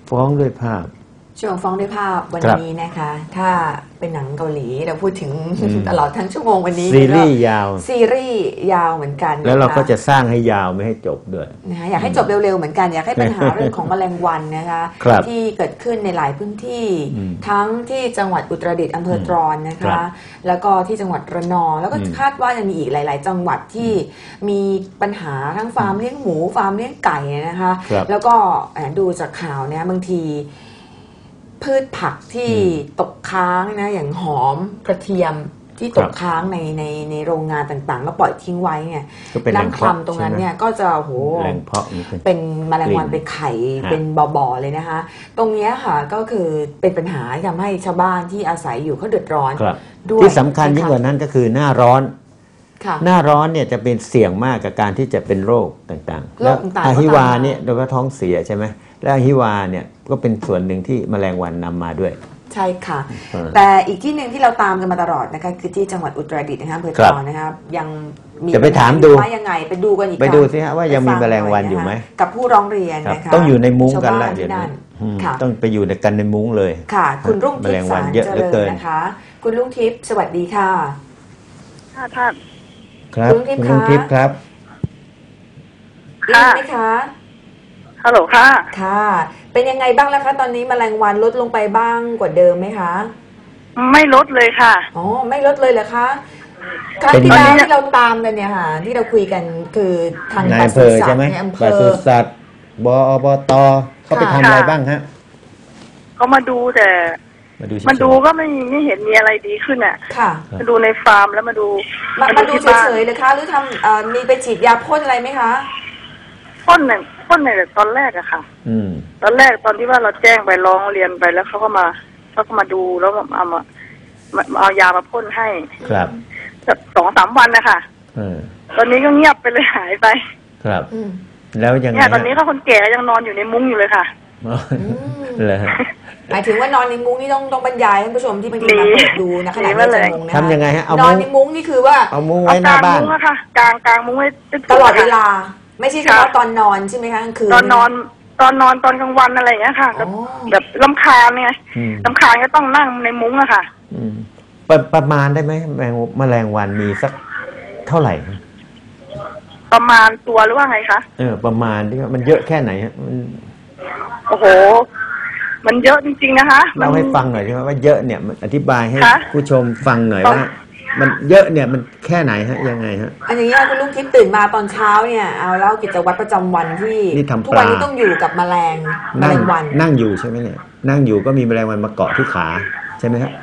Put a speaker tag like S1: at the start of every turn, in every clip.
S1: ฟ้องด้วยภาพ
S2: ช่วงฟ้องด้วยภาพวันนี้นะคะถ้าเป็นหนังเกาหลีเราพูดถึงตลอดทั้งชั่วโมงวันนี้
S1: ซีรีส์ยาว
S2: ซีรีส์ยาวเหมือนกัน
S1: แล้วเราก็จะสร้างให้ยาวไม่ให้จบด้วย
S2: นะคะอยากให้จบเร็วๆเหมือนกันอยากให้ปัญหาเรื่องของแมลงวันนะคะที่เกิดขึ้นในหลายพื้นที่ทั้งที่จังหวัดอุตรดิตถ์อำเภอตรอนนะคะแล้วก็ที่จังหวัดระนองแล้วก็คาดว่าจะมีอีกหลายๆจังหวัดที่มีปัญหาทั้งฟาร์มเลี้ยงหมูฟาร์มเลี้ยงไก่นะคะแล้วก็ดูจากข่าวเนี่ยบางทีพืชผักที่ตกค้างนะอย่างหอมกระเทียมที่ตกค้างในโรงงานต่างๆแล้วปล่อยทิ้งไว้เนี่ยน้ำคร่ำตรงนั้นเนี่ยก็จะโหเป็นแมลงวันไปไข่เป็นบ่อๆเลยนะคะตรงนี้ค่ะก็คือเป็นปัญหาทำให้ชาวบ้านที่อาศัยอยู่เขาเดือดร้อน
S1: ด้วยที่สำคัญยิ่งกว่านั้นก็คือหน้าร้อนหน้าร้อนเนี่ยจะเป็นเสี่ยงมากกับการที่จะเป็นโรคต่างๆแล้วอะฮิวาเนี่ยโดยเฉพาะท้องเสียใช่ไหมและอะฮิวาเนี่ยก็เป็นส่วนหนึ่งที่แมลงวันนำมาด้วย
S2: ใช่ค่ะแต่อีกที่หนึ่งที่เราตามกันมาตลอดนะคะคือที่จังหวัดอุตรดิตถ์นะคะอำเภอตรอนนะคะยังมี
S1: จะไปถามดู
S2: ว่ายังไงไปดูกันอีก
S1: ไปดูสิฮะว่ายังมีแมลงวันอยู่ไหม
S2: กับผู้ร้องเรียนนะคะ
S1: ต้องอยู่ในมุ้งกันแล้วเดี๋ยวนี้ต้องไปอยู่ในกันในมุ้งเลย
S2: ค่ะคุณรุ่งทิพย์สารเจริญนะคะคุณรุ่งทิพย์สวัสดีค่ะ
S3: ท่าน
S1: ครับคุณรุ่งทิพย์ครับ
S2: ได้ไหมคะ
S3: ฮัลโหลค่ะ
S2: ค่ะเป็นยังไงบ้างแล้วคะตอนนี้แมลงวันลดลงไปบ้างกว่าเดิมไหมคะ
S3: ไม่ลดเลยค่ะ
S2: อ๋อไม่ลดเลยเหรอคะครั้งที่แล้วที่เราตามกันเนี่ยค่ะที่เราคุยกันคือทาง
S1: ปศุสัตว์ในอำเภอปศุสัตว์อบต.เขาไปทำอะไรบ้างฮะ
S3: เขามาดูแต่มาดูก็ไม่เห็นมีอะไรดีขึ้นอ่ะ
S2: ค่ะ
S3: มาดูในฟาร์มแล้วมาดู
S2: เฉยๆเลยคะหรือทำมีไปฉีดยาพ่นอะไรไหมคะ
S3: พ่นในตอนแรกอะค่ะตอนแรกตอนที่ว่าเราแจ้งไปร้องเรียนไปแล้วเขาก็มาดูแล้วเอายามาพ่นให้
S1: ครับ
S3: 2-3 วันนะคะตอนนี้ก็เงียบไปเลยหายไป
S1: ครับแล้วยังไง
S3: ตอนนี้เขาคนแก่ยังนอนอยู่ในมุ้งอยู่เลยค่ะ
S1: เลย
S2: หมายถึงว่านอนในมุ้งนี่ต้องบรรยายท่านผู้ชมที่บางทีมาเปิดดูนะขณะนี้จะงงนะ
S1: ทำยังไงฮะ
S2: นอนในมุ้งนี่คือว่า
S1: เอามุ้งไว้หน้าบ้าน
S3: กลางมุ้งไว้
S2: ตลอดเวลาไม่ใช่เฉพาะตอนนอนใช่ไหมคะคือ
S3: ตอนนอนตอนกลางวันอะไรอย่างเงี้ยค่ะแบบรำคาญไงรำคาญก็ต้องนั่งในมุ้งอะค่ะ
S1: ประมาณได้ไหมแมลงวันมีสักเท่าไหร่
S3: ประมาณตัวหรือว่าไงคะ
S1: ประมาณที่มันเยอะแค่ไหนฮะ
S3: โอ้โหมันเยอะจริงๆนะคะ
S1: เล่าให้ฟังหน่อยใช่ไหมว่าเยอะเนี่ยอธิบายให้ผู้ชมฟังหน่อยว่ามันเยอะเนี่ยมันแค่ไหนฮะยังไงฮะ
S2: อันนี้คุณลุงทิพย์ตื่นมาตอนเช้าเนี่ยเอาเล่ากิจวัตรประจำวันที่ทุกวันนี้ต้องอยู่กับแมลงวัน
S1: นั่งอยู่ใช่ไหมเนี่ยนั่งอยู่ก็มีแมลงวันมาเกาะที่ขาใช่ไหมฮะ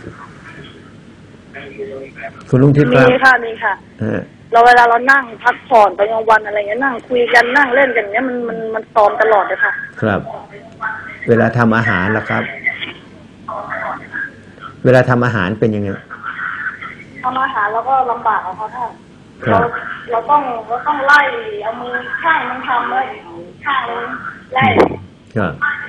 S1: คุณลุงทิพย์ครับ
S3: มีค่ะเราเวลาเรานั่งพักผ่อนตอนกลางวันอะไรเงี้ยนั่งคุยกันนั่งเล่นกันเนี้ยมันตอมตลอดเลยค่ะ
S1: ครับเวลาทำอาหารล่ะครับเวลาทำอาหารเป็นยังไง
S3: ทำอาหารแล้วก็ลำบากเขาท่านเราต้องไล่เอามือข้างมันทำเลยข้างนึงไล่
S1: ครับ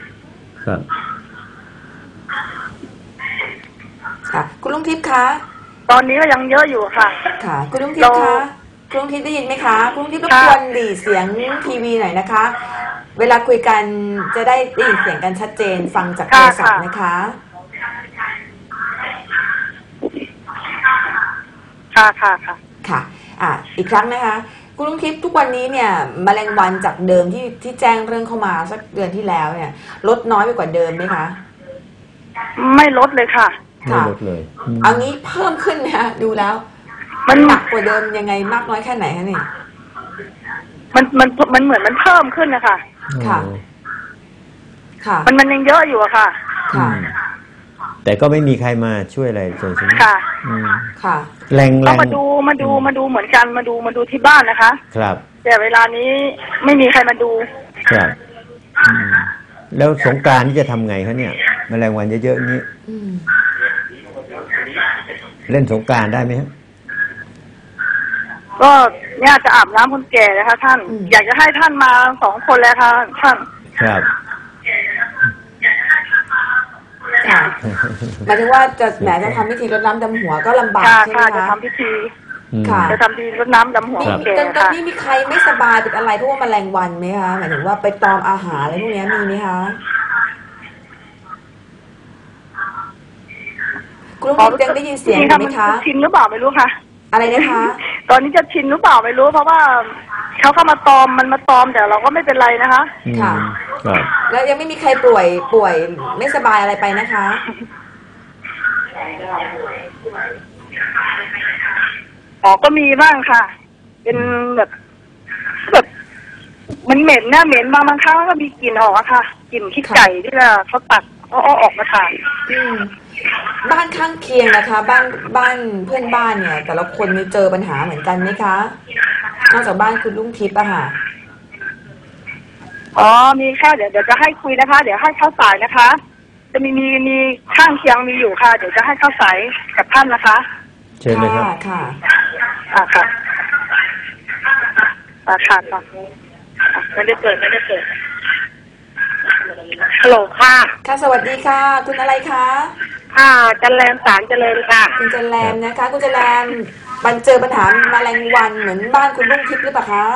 S2: ค่ะคุณลุงทิพย์คะ
S3: ตอนนี้ก็ยังเยอะอยู่ค่ะ
S2: ค่ะคุณลุงทิพย์คะคุณลุงทิพย์ได้ยินไหมคะคุณลุงทิพย์รบกวนหลีเสียงทีวีหน่อยนะคะเวลาคุยกันจะได้ยินเสียงกันชัดเจนฟังจากโทรศัพท์นะคะค่ะอีกครั้งนะคะคุณลุงทิพย์ทุกวันนี้เนี่ยแมลงวันจากเดิมที่แจ้งเรื่องเข้ามาสักเดือนที่แล้วเนี่ยลดน้อยไปกว่าเดิมไหมคะ
S3: ไม่ลดเลยค่ะ
S1: ไม่ลดเลย
S2: เอางี้เพิ่มขึ้นนะดูแล้วมันหนักกว่าเดิมยังไงมากน้อยแค่ไหนคะนี่
S3: มันเหมือนมันเพิ่มขึ้นนะคะ
S2: ค่ะ
S3: มันยังเยอะอยู่อะค่ะ
S1: แต่ก็ไม่มีใครมาช่วยอะไรเลยใช่ไหม
S2: ค่ะ
S1: แรง
S3: ก็มาดูเหมือนกันมาดูที่บ้านนะคะ
S1: ครับ
S3: แต่เวลานี้ไม่มีใครมาดู
S1: ครับแล้วสงกรานต์นี่จะทำไงคะเนี่ยแมลงวันเยอะๆนี้เล่นสงกรานต์ได้ไหมครับ
S3: ก็เนี่ยจะอาบน้ำคนแก่นะคะท่านอยากจะให้ท่านมา2 คนแล้วค่ะท่าน
S1: ครับ
S2: หมายถึงว่าจะทำพิธีรดน้ำดำหัวก็ลำบากใช่ไหมคะ
S3: จะทำพิธี
S2: ค่ะ
S3: จะทำพิธีรดน้ำดำหัวแก่
S2: ตอนนี้มีใครไม่สบายเป็นอะไรเพราะว่าแมลงวันไหมคะหมายถึงว่าไปตอมอาหารอะไรพวกนี้มีไหมคะคุณลุงทิพย์ยังได้ยินเสียงอยู่ไหมคะ
S3: ชินหรือเปล่าไม่รู้ค่ะ
S2: อะไรนะคะ
S3: ตอนนี้จะชินหรือเปล่าไม่รู้เพราะว่าเขาเข้ามาตอมมันมาตอมแต่เราก็ไม่เป็นไรนะคะ
S2: ค่ะแล้วยังไม่มีใครป่วยไม่สบายอะไรไปนะคะ
S3: ก็มีบ้างค่ะเป็นแบบมันเหม็นนะเหม็นบางครั้งก็มีกลิ่นออกอะค่ะกลิ่นขี้ไก่ที่เขาตัดเอาออกมาทาน
S2: บ้านข้างเคียงนะคะบ้านเพื่อนบ้านเนี่ยแต่ละคนมีเจอปัญหาเหมือนกันไหมคะนอกจากบ้านคุณลุงทิพย์อะค่ะ
S3: มีค่ะเดี๋ยวจะให้คุยนะคะเดี๋ยวให้เข้าสายนะคะจะมีข้างเคียงมีอยู่ค่ะเดี๋ยวจะให้เข้าสายกับท่านนะคะ
S1: เชิญเลยครับ
S2: ค่ะ
S3: ค่ะค่ะไม่ได้เปิดฮัลโหลค่ะ
S2: ค่ะสวัสดีค่ะคุณอะไรคะ
S3: จันแรมสารเจริญค่ะ
S2: คุณจันแรมนะคะคุณจันแรมมันเจอปัญหาแมลงวันเหมือนบ้านคุณลุงทิพย์หรือเปล่าคะ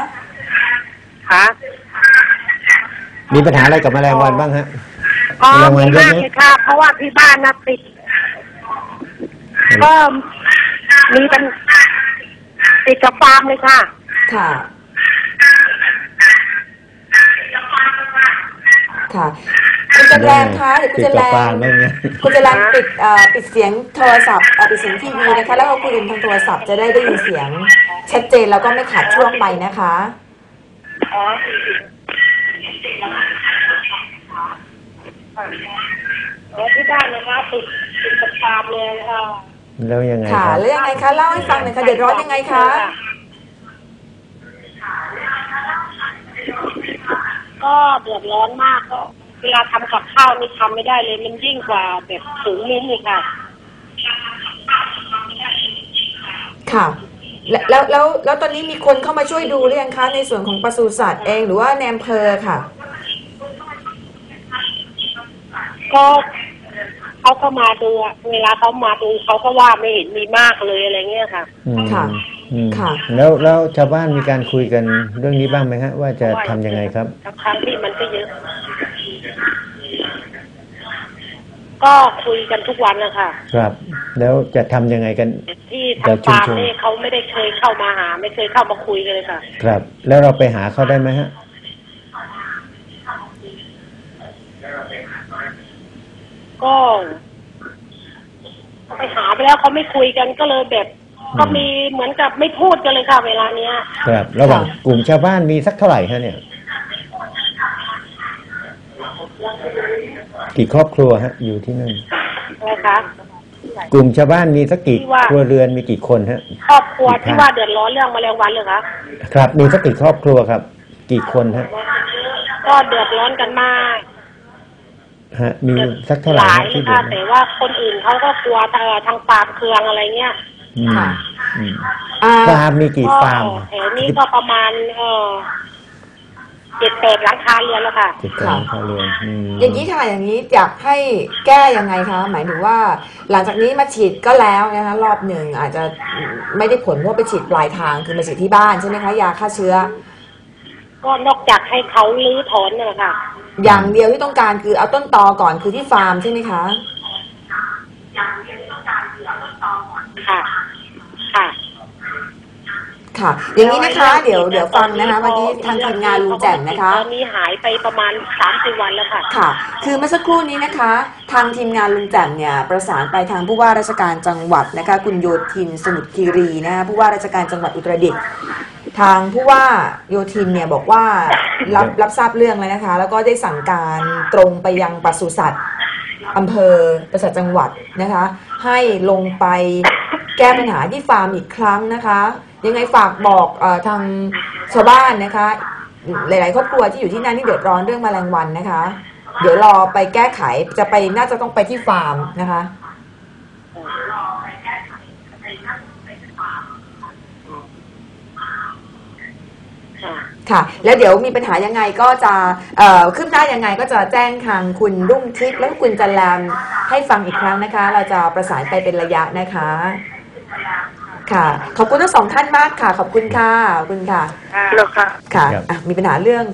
S1: มีปัญหาอะไรกับแมลงวันบ้างฮะ
S3: แมลงวันเยอะไหมค่ะเพราะว่าที่บ้านน่ะติดก็มีเป็นติดกับฟาร์มเลยค่ะ
S2: ค่ะคุณจันแรมคะเดี๋ยวคุณจันแรมปิดเสียงโทรศัพท์ปิดเสียงทีวีนะคะแล้วก็คุยกันทางโทรศัพท์จะได้ยินเสียงชัดเจนแล้วก็ไม่ขาดช่วงไปนะคะ
S3: ที่บ้านนะคะติดกับฟาร์มเลยค่ะ
S1: แล้วยังไง
S2: ค่ะแล้วยังไงคะเล่าให้ฟังหน่อยค่ะเดือดร้อนยังไงคะ
S3: ก็เดือดร้อนมากก็เวลาทำกับข้าวนี่ทำไม่ได้เลยมันยิ่งกว่าแบบสูงลิ้นเลยค่ะ
S2: ค่ะแล้วตอนนี้มีคนเข้ามาช่วยดูหรือยังคะในส่วนของปศุสัตว์เองหรือว่าในอำเภอค่ะ
S3: ก็เขาก็มาดูเวลาเขามาดูเขาก็ว่าไม่เห็นมีมากเลยอะไรเงี้ยค่ะ
S2: ค่ะ
S1: แล้วชาวบ้านมีการคุยกันเรื่องนี้บ้างไหมฮะว่าจะทำยังไงครับ
S3: ครั้งที่มันก็เยอะก็คุยกันทุกวันนะคะ
S1: ครับแล้วจะทำยังไงกัน
S3: ที่ทางฟาร์มนี่เขาไม่ได้เคยเข้ามาหาไม่เคยเข้ามาคุยกันเลยค่ะ
S1: ครับแล้วเราไปหาเขาได้ไหมฮะ
S3: ก็ไปหาไปแล้วเขาไม่คุยกันก็เลยแบบก็มีเหมือนกับไม่พูดกันเลยค่ะเวลาเนี้ย
S1: ครับระหว่างกลุ่มชาวบ้านมีสักเท่าไหร่ฮะเนี่ยกี่ครอบครัวฮะอยู่ที่นั่น
S3: อะไรคะ
S1: กลุ่มชาวบ้านมีสักกี่ครัวเรือนมีกี่คนฮะ
S3: ครอบครัวที่ว่าเดือดร้อนเรื่องแมลงวันเลยคะ
S1: ครับมีสักกี่ครอบครัวครับกี่คนฮะ
S3: ก็เดือดร้อนกันมาก
S1: ฮะมีสักเท่าไหร่
S3: ที่เดือดแต่ว่าคนอื่นเขาก็กลัวทางปาล์มเคืองอะไรเงี้ย
S2: ค่ะ
S1: ฟาร์มมีกี่ฟาร์ม
S3: แถวนี้ก็ประมาณ7-8 หลังคาเรือนแล้วค่ะ
S1: 7-8 หลังคาเรือน
S2: อย่างนี้ค่ะอย่างนี้อยากให้แก้ยังไงคะหมายถึงว่าหลังจากนี้มาฉีดก็แล้วนะคะรอบหนึ่งอาจจะไม่ได้ผลเพราะไปฉีดปลายทางคือมาฉีดที่บ้านใช่ไหมคะยาฆ่าเชื้อ
S3: ก็นอกจากให้เขาลื้อถอนนั่นแหละค่ะ
S2: อย่างเดียวที่ต้องการคือเอาต้นตอก่อนคือที่ฟาร์มใช่ไหมคะ
S3: ค่ะ
S2: ค่ะอย่างนี้นะคะเดี๋ยวฟังนะคะเมื่อกี้ทางทีมงานลุงแจ่มนะคะ
S3: ตอนนี้หายไปประมาณ 3-4 วันแล้วค่ะ
S2: ค่ะคือเมื่อสักครู่นี้นะคะทางทีมงานลุงแจ่มเนี่ยประสานไปทางผู้ว่าราชการจังหวัดนะคะคุณโยธินสมุทรคีรีนะคะผู้ว่าราชการจังหวัดอุตรดิตถ์ทางผู้ว่าโยธินเนี่ยบอกว่ารับทราบเรื่องแล้วนะคะแล้วก็ได้สั่งการตรงไปยังปศุสัตว์อำเภอปศุสัตว์จังหวัดนะคะให้ลงไปแก้ปัญหาที่ฟาร์มอีกครั้งนะคะยังไงฝากบอกทางชาวบ้านนะคะหลายๆครอบครัวที่อยู่ที่นั่นที่เดือดร้อนเรื่องแมลงวันนะคะเดี๋ยวรอไปแก้ไขจะไปน่าจะต้องไปที่ฟาร์มนะคะค่ะแล้วเดี๋ยวมีปัญหายังไงก็จะขึ้นได้ยังไงก็จะแจ้งทางคุณรุ่งทิพย์และคุณจันแรมให้ฟังอีกครั้งนะคะเราจะประสานไปเป็นระยะนะคะค่ะขอบคุณทั้งสองท่านมากค่ะขอบคุณค่ะขอบคุณค่ะ
S3: แล้วค่ะ
S2: ค่ะมีปัญหาเรื่อง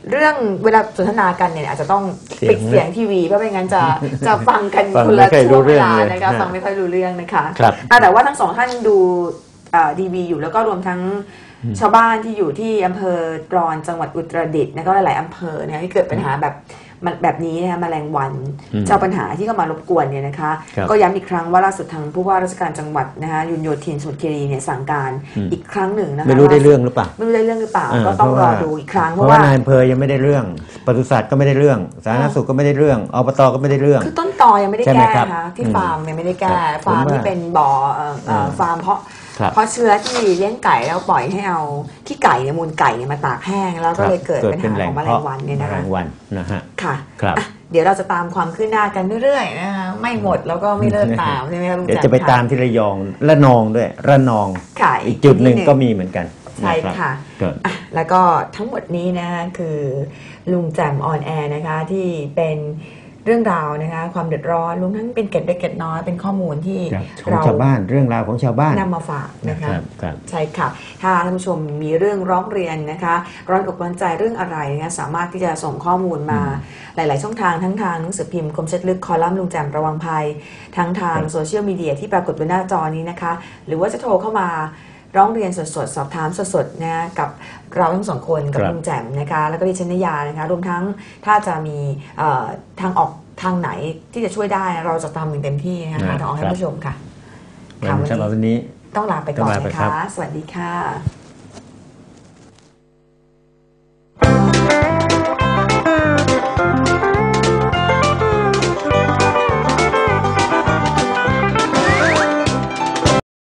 S2: เรื่องเวลาสนทนากันเนี่ยอาจจะต้องปิดเสียงทีวีเพราะไม่งั้นจะฟังกันคนละช่วงเวลานะคะฟังไม่ค่อยรู้เรื่องนะคะแต่ว่าทั้งสองท่านดูดีวีอยู่แล้วก็รวมทั้งชาวบ้านที่อยู่ที่อำเภอตรอนจังหวัดอุตรดิตถ์แล้วก็หลายๆอำเภอเนี่ยที่เกิดปัญหาแบบนี้นะคะแมลงวันเจ้าปัญหาที่เข้ามารบกวนเนี่ยนะคะก็ย้ำอีกครั้งว่าล่าสุดทางผู้ว่าราชการจังหวัดนะคะยุนโยธินสมุทรคีรีเนี่ยสั่งการอีกครั้งหนึ่งนะคะ
S1: ไม่รู้ได้เรื่องหรือเปล่า
S2: ก็ต้องรอดูอีกครั้ง
S1: เพราะว่านายอำเภอยังไม่ได้เรื่องปศุสัตว์ก็ไม่ได้เรื่องสาธารณสุขก็ไม่ได้เรื่องอบตก็ไม่ได้เรื่อง
S2: คือต้นตอยังไม่ได้แก้นะคะที่ฟาร์มยังไม่ได้แก้ฟาร์มที่เป็นบ่อฟาร์มเพราะเชื้อที่เลี้ยงไก่แล้วปล่อยให้เอาขี้ไก่เนี่ยมูลไก่เนี่ยมาตากแห้งแล้วก็เลยเกิดปัญหาของแมลงวันเนี่ยนะคะ
S1: แมลงวันนะฮะ
S2: ค่ะเดี๋ยวเราจะตามความคืบหน้ากันเรื่อยๆนะคะไม่หมดแล้วก็ไม่เลิกตามใช่ไหมครับ
S1: เดี๋ยวจะไปตามที่ระยองระนองด้วยระนองอีกจุดหนึ่งก็มีเหมือนกัน
S2: ใช่ค่ะแล้วก็ทั้งหมดนี้นะคะคือลุงแจ่มออนแอร์นะคะที่เป็นเรื่องราวนะคะความเดือดร้อนรวมทั้งเป็นเกร็ดเล็กเกร็ดน้อยเป็นข้อมูลที่
S1: เราชาวบ้านเรื่องราวของชาวบ้าน
S2: นำมาฝากนะคะใช่ค่ะถ้าท่านผู้ชมมีเรื่องร้องเรียนนะคะร้อนอกร้อนใจเรื่องอะไรนะคะสามารถที่จะส่งข้อมูลมาหลายๆช่องทางทั้งทางหนังสือพิมพ์คมชัดลึกคอลัมน์ลุงแจ่มระวังภัยทั้งทางโซเชียลมีเดียที่ปรากฏบนหน้าจอนี้นะคะหรือว่าจะโทรเข้ามาร้องเรียนสดๆสอบถามสดๆนะกับเราทั้งสองคนกับลุงแจ่มนะคะแล้วก็ดิฉันนยานะคะรวมทั้งถ้าจะมีทางออกทางไหนที่จะช่วยได้เราจะทำอย่างเต็มที่นะคะทางออกให้ผู้ชมค่ะ
S1: สำหรับวันนี้
S2: ต้องลาไปก่อนนะคะสวัสดีค่ะ